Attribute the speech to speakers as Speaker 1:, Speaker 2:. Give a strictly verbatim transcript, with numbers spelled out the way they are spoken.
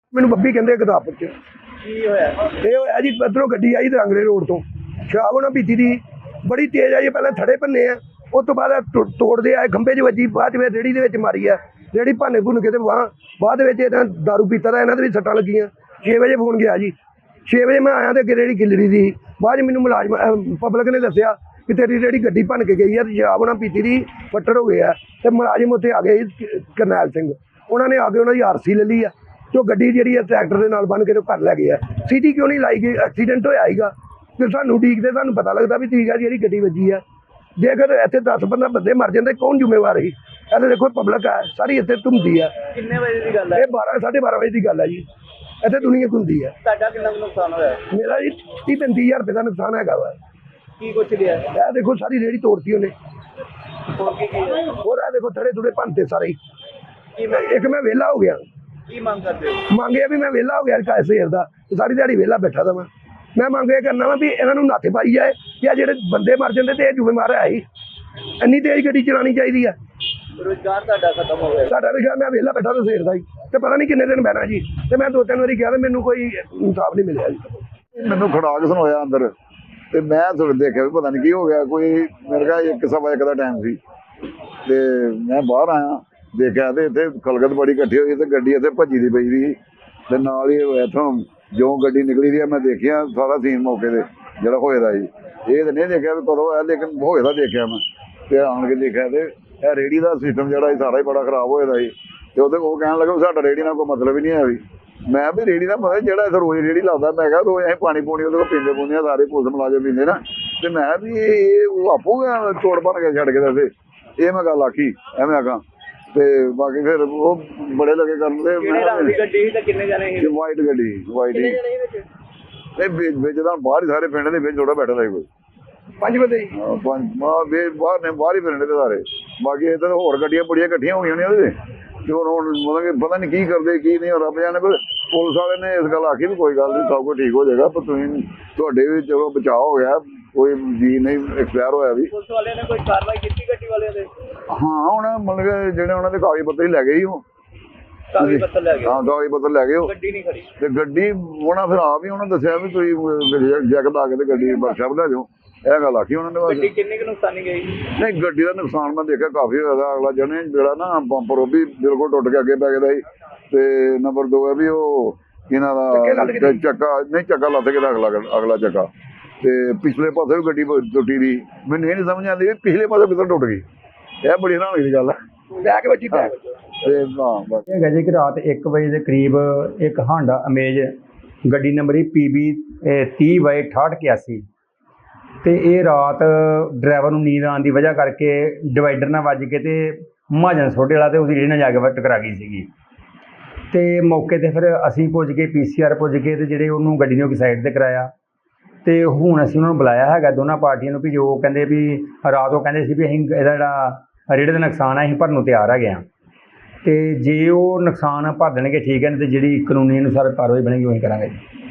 Speaker 1: ਮੈਨੂੰ ਬੱਬੀ ਕਹਿੰਦੇ ਗੁਰਦਾਸਪੁਰ ਚ।
Speaker 2: ਕੀ ਹੋਇਆ?
Speaker 1: ਇਹ ਹੋਇਆ ਜੀ ਇੱਧਰੋਂ ਗੱਡੀ ਆਈ ਦਰਾਂਗਲੇ ਰੋਡ ਤੋਂ, ਸ਼ਰਾਬ ਉਹਨਾਂ ਪੀਤੀ ਦੀ ਬੜੀ ਤੇਜ਼ ਆਈ। ਪਹਿਲਾਂ ਥੜੇ ਭੰਨੇ ਆ, ਉਸ ਤੋਂ ਬਾਅਦ ਟੁ- ਤੋੜਦੇ ਆਏ, ਖੰਭੇ 'ਚ ਵੱਜੀ, ਬਾਅਦ 'ਚ ਫਿਰ ਰੇਹੜੀ ਦੇ ਵਿੱਚ ਮਾਰੀ ਆ। ਰੇਹੜੀ ਭੰਨ ਭੁੰਨ ਕੇ ਤੇ ਬਾਹ ਬਾਅਦ ਵਿੱਚ ਇਹਨਾਂ ਦਾਰੂ ਪੀਤਾ ਦਾ, ਇਹਨਾਂ ਦੇ ਵੀ ਸੱਟਾਂ ਲੱਗੀਆਂ। ਛੇ ਵਜੇ ਫੋਨ ਗਿਆ ਜੀ, ਛੇ ਵਜੇ ਮੈਂ ਆਇਆ ਤੇ ਅੱਗੇ ਰੇਹੜੀ ਗਿੱਲਰੀ ਦੀ। ਬਾਅਦ 'ਚ ਮੈਨੂੰ ਮੁਲਾਜ਼ਮ ਪਬਲਿਕ ਨੇ ਦੱਸਿਆ ਕਿ ਤੇਰੀ ਰੇਹੜੀ ਗੱਡੀ ਭੰਨ ਕੇ ਗਈ ਆ ਤੇ ਸ਼ਰਾਬ ਉਹਨਾਂ ਪੀਤੀ ਦੀ ਫੱਟੜ ਹੋ ਗਏ ਆ। ਤੇ ਮੁਲਾਜ਼ਮ ਉੱਥੇ ਆ ਗਏ ਜੀ, ਕਰਨੈਲ ਸਿੰਘ, ਉਹਨਾਂ ਨੇ ਆ ਕੇ ਉਹਨਾਂ ਦੀ ਆਰ ਸੀ ਲੈ ਲਈ ਆ। ਜੋ ਗੱਡੀ ਜਿਹੜੀ ਆ ਟਰੈਕਟਰ ਦੇ ਨਾਲ ਬੰਨ ਕੇ ਤੇ ਘਰ ਲੈ ਗਏ ਆ। ਸੀਟੀ ਕਿਉਂ ਨਹੀਂ ਲਾਈ ਗਈ? ਐਕਸੀਡੈਂਟ ਹੋਇਆ ਸੀਗਾ ਤੇ ਸਾਨੂੰ ਉਡੀਕਦੇ ਸਾਨੂੰ ਪਤਾ ਲੱਗਦਾ ਵੀ ਠੀਕ ਆ ਜਿਹੜੀ ਗੱਡੀ ਵੱਜੀ ਆ। ਜੇਕਰ ਇੱਥੇ ਦਸ ਪੰਦਰਾਂ ਬੰਦੇ ਮਰ ਜਾਂਦੇ ਕੌਣ ਜ਼ਿੰਮੇਵਾਰ ਸੀ? ਇਹ ਦੇਖੋ ਪਬਲਿਕ ਆ ਸਾਰੀ ਇੱਥੇ ਘੁੰਮਦੀ ਆ।
Speaker 2: ਕਿੰਨੇ ਵਜੇ ਦੀ ਗੱਲ ਹੈ?
Speaker 1: ਇਹ ਬਾਰਾਂ ਸਾਢੇ ਬਾਰਾਂ ਵਜੇ ਦੀ ਗੱਲ ਆ ਜੀ। ਇੱਥੇ ਦੁਨੀਆ ਘੁੰਮਦੀ ਆ।
Speaker 2: ਤੁਹਾਡਾ ਕਿੰਨਾ ਕੁ ਨੁਕਸਾਨ ਹੋਇਆ?
Speaker 1: ਮੇਰਾ ਜੀ ਤੀਹ ਪੈਂਤੀ ਹਜ਼ਾਰ ਰੁਪਏ ਦਾ ਨੁਕਸਾਨ ਹੈਗਾ ਵਾ।
Speaker 2: ਕੀ ਕੁਛ ਲਿਆ?
Speaker 1: ਇਹ ਦੇਖੋ ਸਾਰੀ ਰੇਹੜੀ ਤੋੜਤੀ ਉਹਨੇ।
Speaker 2: ਹੋਰ ਕੀ ਕੀ ਹੈ?
Speaker 1: ਹੋਰ ਇਹ ਦੇਖੋ ਥੜੇ ਥੁੜੇ ਭੰਨਤੇ ਸਾਰੇ ਹੀ।
Speaker 2: ਕੀ ਮੰਗ
Speaker 1: ਇੱਕ ਮੈਂ ਵਿਹਲਾ ਹੋ ਗਿਆ,
Speaker 2: ਕੀ ਮੰਗ ਕਰਦੇ ਹੋ?
Speaker 1: ਮੰਗਿਆ ਵੀ ਮੈਂ ਵਿਹਲਾ ਹੋ ਗਿਆ ਸਵੇਰ ਦਾ, ਸਾਰੀ ਦਿਹਾੜੀ ਵਿਹਲਾ ਬੈਠਾ ਦਾ ਮੈਂ ਮੈਂ ਮੰਗ ਇਹ ਕਰਨਾ ਵਾ ਵੀ ਇਹਨਾਂ ਨੂੰ ਨੱਥ ਪਾਈ ਜਾਏ ਕਿ ਆ ਜਿਹੜੇ ਬੰਦੇ ਮਰ ਜਾਂਦੇ ਤੇ ਇਹ ਜ਼ਿੰਮੇਵਾਰ ਹੈ ਹੀ। ਇੰਨੀ ਤੇਜ਼ ਗੱਡੀ ਚਲਾਉਣੀ ਚਾਹੀਦੀ ਆ।
Speaker 2: ਰੁਜ਼ਗਾਰ ਤੁਹਾਡਾ ਖਤਮ ਹੋ ਗਿਆ?
Speaker 1: ਸਾਡਾ ਵੀ ਮੈਂ ਵਿਹਲਾ ਬੈਠਾ ਤਾਂ ਸਵੇਰ ਦਾ ਹੀ, ਤੇ ਪਤਾ ਨਹੀਂ ਕਿੰਨੇ ਦਿਨ ਬਹਿਣਾ ਜੀ। ਤੇ ਮੈਂ ਦੋ ਤਿੰਨ ਵਾਰੀ ਕਿਹਾ ਤੇ ਮੈਨੂੰ ਕੋਈ ਇਨਸਾਫ ਨਹੀਂ ਮਿਲਿਆ ਜੀ।
Speaker 3: ਮੈਨੂੰ ਖੜਾਕ ਸੁਣਾਇਆ ਅੰਦਰ ਤੇ ਮੈਂ ਥੋੜਾ ਦੇਖਿਆ ਵੀ ਪਤਾ ਨਹੀਂ ਕੀ ਹੋ ਗਿਆ। ਕੋਈ ਮੇਰੇ ਕੋਲ ਇੱਕ ਸਵਾ ਇੱਕ ਦਾ ਟਾਈਮ ਸੀ ਤੇ ਮੈਂ ਬਾਹਰ ਆਇਆ, ਦੇਖਿਆ ਤੇ ਇੱਥੇ ਖਲਗਤ ਬੜੀ ਇਕੱਠੀ ਹੋਈ ਤੇ ਗੱਡੀ ਇੱਥੇ ਭੱਜੀ ਦੀ ਪਈ ਸੀ ਤੇ ਨਾਲ ਹੀ ਇੱਥੋਂ ਜੋ ਗੱਡੀ ਨਿਕਲੀ ਦੀ ਆ ਮੈਂ ਦੇਖਿਆ ਸਾਰਾ ਸੀਨ ਮੌਕੇ ਤੇ ਜਿਹੜਾ ਹੋਏ ਦਾ ਜੀ। ਇਹ ਤਾਂ ਨਹੀਂ ਦੇਖਿਆ ਵੀ ਕਦੋਂ ਆਇਆ, ਲੇਕਿਨ ਹੋਏ ਦਾ ਦੇਖਿਆ ਮੈਂ ਤੇ ਆਣ ਕੇ ਦੇਖਿਆ ਤੇ ਇਹ ਰੇਹੜੀ ਦਾ ਸਿਸਟਮ ਜਿਹੜਾ ਸਾਰਾ ਹੀ ਬੜਾ ਖਰਾਬ ਹੋਏ ਦਾ ਸੀ। ਤੇ ਉਹਦੇ ਉਹ ਕਹਿਣ ਲੱਗਾ ਸਾਡਾ ਰੇਹੜੀ ਨਾਲ ਕੋਈ ਮਤਲਬ ਹੀ ਨਹੀਂ ਹੈ ਵੀ। ਮੈਂ ਵੀ ਰੇਹੜੀ ਦਾ ਮਤਲਬ ਜਿਹੜਾ ਇੱਥੇ ਰੋਜ਼ ਰੇਹੜੀ ਲਾਉਂਦਾ, ਮੈਂ ਕਿਹਾ ਰੋਜ਼ ਅਸੀਂ ਪਾਣੀ ਪੂਣੀ ਉਹਦੇ ਕੋਲ ਪੀਂਦੇ ਪੂੰਦੇ ਆ, ਸਾਰੇ ਪੁਲਿਸ ਮੁਲਾਜ਼ਮ ਪੀਂਦੇ ਨਾ। ਤੇ ਮੈਂ ਵੀ ਇਹ ਉਹ ਆਪੂ ਤੋੜ ਭੰਨ ਕੇ ਛੱਡ ਕੇ ਦੱਸੇ, ਇਹ ਮੈਂ ਗੱਲ ਆਖੀ ਐਵੇਂ ਆਖਾਂ। ਤੇ ਬਾਕੀ ਫਿਰ ਉਹ ਬੜੇ ਲੱਗੇ ਕਰਨ ਤੇ
Speaker 2: ਕਿਹੜੇ ਰੰਗ ਦੀ ਗੱਡੀ ਸੀ ਤੇ ਕਿੰਨੇ ਜਣੇ ਸੀ?
Speaker 3: ਵਾਈਟ ਗੱਡੀ ਵਾਈਟ ਹੀ ਨਹੀਂ ਵਿੱਚ ਵਿੱਚ ਤਾਂ ਬਾਹਰ ਹੀ ਸਾਰੇ ਪਿੰਡ ਦੇ ਵਿੱਚ ਥੋੜਾ ਬੈਠਾ ਸੀ ਕੋਈ
Speaker 1: ਪੰਜ ਬੰਦੇ ਜੀ।
Speaker 3: ਹਾਂ, ਪੰਜ ਮਾਂ ਵੇ ਬਾਹਰ ਨੇ ਬਾਹਰ ਹੀ ਫਿਰਨੇ ਤੇ ਸਾਰੇ। ਬਾਕੀ ਇੱਧਰ ਹੋਰ ਗੱਡੀਆਂ ਬੜੀਆਂ ਇਕੱਠੀਆਂ ਹੋਈਆਂ ਨੇ ਉਹਦੇ ਤੇ ਹੁਣ ਹੁਣ ਮਤਲਬ ਕਿ ਪਤਾ ਨਹੀਂ ਕੀ ਕਰਦੇ ਕੀ ਨਹੀਂ ਰੱਬ ਜਾਣੇ। ਪਰ ਪੁਲਿਸ ਵਾਲੇ ਨੇ ਇਸ ਗੱਲ ਆਖੀ ਵੀ ਕੋਈ ਗੱਲ ਨਹੀਂ, ਸਭ ਕੁਝ ਠੀਕ ਹੋ ਜਾਏਗਾ। ਪਰ ਤੁਸੀਂ ਤੁਹਾਡੇ ਵੀ ਚਲੋ ਬਚਾਅ ਹੋ ਗਿਆ, ਕੋਈ ਜੀ ਨਹੀਂ ਐਕਸਪਾਇਰ ਹੋਇਆ ਵੀ।
Speaker 2: ਪੁਲਿਸ ਵਾਲਿਆਂ ਨੇ ਕੋਈ ਕਾਰਵਾਈ ਕੀਤੀ ਗੱਡੀ ਵਾਲਿਆਂ ਦੇ?
Speaker 3: ਹਾਂ ਹੁਣ ਮਤਲਬ ਕਿ ਜਿਹੜੇ ਉਹਨਾਂ ਦੇ ਕਾਗਜ਼ ਪੱਤਰ ਹੀ ਲੈ ਗਏ ਸੀ ਉਹ।
Speaker 2: ਕਾਗਜ਼ ਪੱਤਰ ਲੈ ਗਏ?
Speaker 3: ਹਾਂ ਕਾਗਜ਼ ਪੱਤਰ ਲੈ ਗਏ ਉਹ।
Speaker 2: ਗੱਡੀ ਨਹੀਂ ਖੜੀ?
Speaker 3: ਤੇ ਗੱਡੀ ਉਹਨਾਂ ਫਿਰ ਆਪ ਹੀ ਉਹਨਾਂ ਦੱਸਿਆ ਵੀ ਤੁਸੀਂ ਜੈਕਟ ਲਾ ਕੇ ਤੇ ਗੱਡੀ ਵਰਕਸ਼ਾਪ ਲੈ ਜਾਓ, ਇਹ ਗੱਲ ਆਖੀ ਉਹਨਾਂ ਨੇ ਬਸ।
Speaker 2: ਗੱਡੀ ਕਿੰਨੀ ਕੁ ਨੁਕਸਾਨੀ ਗਈ?
Speaker 3: ਨਹੀਂ ਗੱਡੀ ਦਾ ਨੁਕਸਾਨ ਮੈਂ ਦੇਖਿਆ ਕਾਫੀ ਹੋਇਆ। ਅਗਲਾ ਜਣੇ ਜਿਹੜਾ ਨਾ ਬੰਪਰ ਉਹ ਵੀ ਬਿਲਕੁਲ ਟੁੱਟ ਕੇ ਅੱਗੇ ਪੈ ਗਿਆ ਸੀ। ਤੇ ਨੰਬਰ ਦੋ ਹੈ ਵੀ ਉਹ ਇਹਨਾਂ ਦਾ ਚੱਕਾ ਨਹੀਂ ਚੱਕਾ ਲੱਥ ਕੇ ਦਾ ਅਗਲਾ ਅਗਲਾ ਚੱਕਾ। ਤੇ ਪਿਛਲੇ ਪਾਸੇ ਵੀ ਗੱਡੀ ਟੁੱਟੀ ਦੀ। ਮੈਨੂੰ ਇਹ ਨਹੀਂ ਸਮਝ ਆਉਂਦੀ ਵੀ ਪਿਛਲੇ ਪਾਸੇ ਕਿੱਧਰ ਟੁੱਟ ਗਈ। ਇਹ ਬੜੀ ਹੈਰਾਨੀ ਦੀ ਗੱਲ ਹੈ।
Speaker 1: ਬੈਕ ਵੱਜੀ ਬੈਕ
Speaker 3: ਤੇ ਹਾਂ ਬਸ
Speaker 4: ਇਹ ਹੈਗਾ ਜੀ ਕਿ ਰਾਤ ਇੱਕ ਵਜੇ ਦੇ ਕਰੀਬ ਇੱਕ ਹਾਂਡਾ ਅਮੇਜ ਗੱਡੀ ਨੰਬਰ ਹੀ ਪੀ ਬੀ ਤੀਹ ਬਾਈ ਅਠਾਹਠ ਇਕਿਆਸੀ ਤੇ ਇਹ ਰਾਤ ਡਰਾਈਵਰ ਨੂੰ ਨੀਂਦ ਆਉਣ ਦੀ ਵਜ੍ਹਾ ਕਰਕੇ ਡਿਵਾਈਡਰ ਨਾਲ ਵੱਜ ਕੇ ਤੇ ਮਹਾਜਨ ਸੋਢੇ ਵਾਲਾ ਤੇ ਉਹਦੀ ਰੇਹੜੀ ਨਾਲ ਜਾ ਕੇ ਟਕਰਾ ਗਈ ਸੀਗੀ। ਤੇ ਮੌਕੇ 'ਤੇ ਫਿਰ ਅਸੀਂ ਪੁੱਜ ਕੇ ਪੀ ਸੀ ਆਰ ਪੁੱਜ ਕੇ ਤੇ ਜਿਹੜੇ ਉਹਨੂੰ ਗੱਡੀ ਨੂੰ ਇੱਕ ਸਾਈਡ 'ਤੇ ਕਰਾਇਆ। ਤੇ ਹੁਣ ਅਸੀਂ ਉਹਨਾਂ ਨੂੰ ਬੁਲਾਇਆ ਹੈਗਾ ਦੋਨਾਂ ਪਾਰਟੀਆਂ ਨੂੰ ਵੀ ਜੋ ਕਹਿੰਦੇ ਵੀ ਰਾਤ ਉਹ ਕਹਿੰਦੇ ਸੀ ਵੀ ਅਸੀਂ ਇਹਦਾ ਜਿਹੜਾ ਰੇਹੜੀ ਦਾ ਨੁਕਸਾਨ ਹੈ ਅਸੀਂ ਭਰਨ ਨੂੰ ਤਿਆਰ ਹੈਗੇ ਹਾਂ। ਤੇ ਜੇ ਉਹ ਨੁਕਸਾਨ ਭਰ ਦੇਣਗੇ ਠੀਕ ਹੈ, ਨਹੀਂ ਤੇ ਜਿਹੜੀ ਕਾਨੂੰਨੀ ਅਨੁਸਾਰ ਕਾਰਵਾਈ ਬਣੇਗੀ ਉਹੀ ਕਰਾਂਗੇ ਜੀ।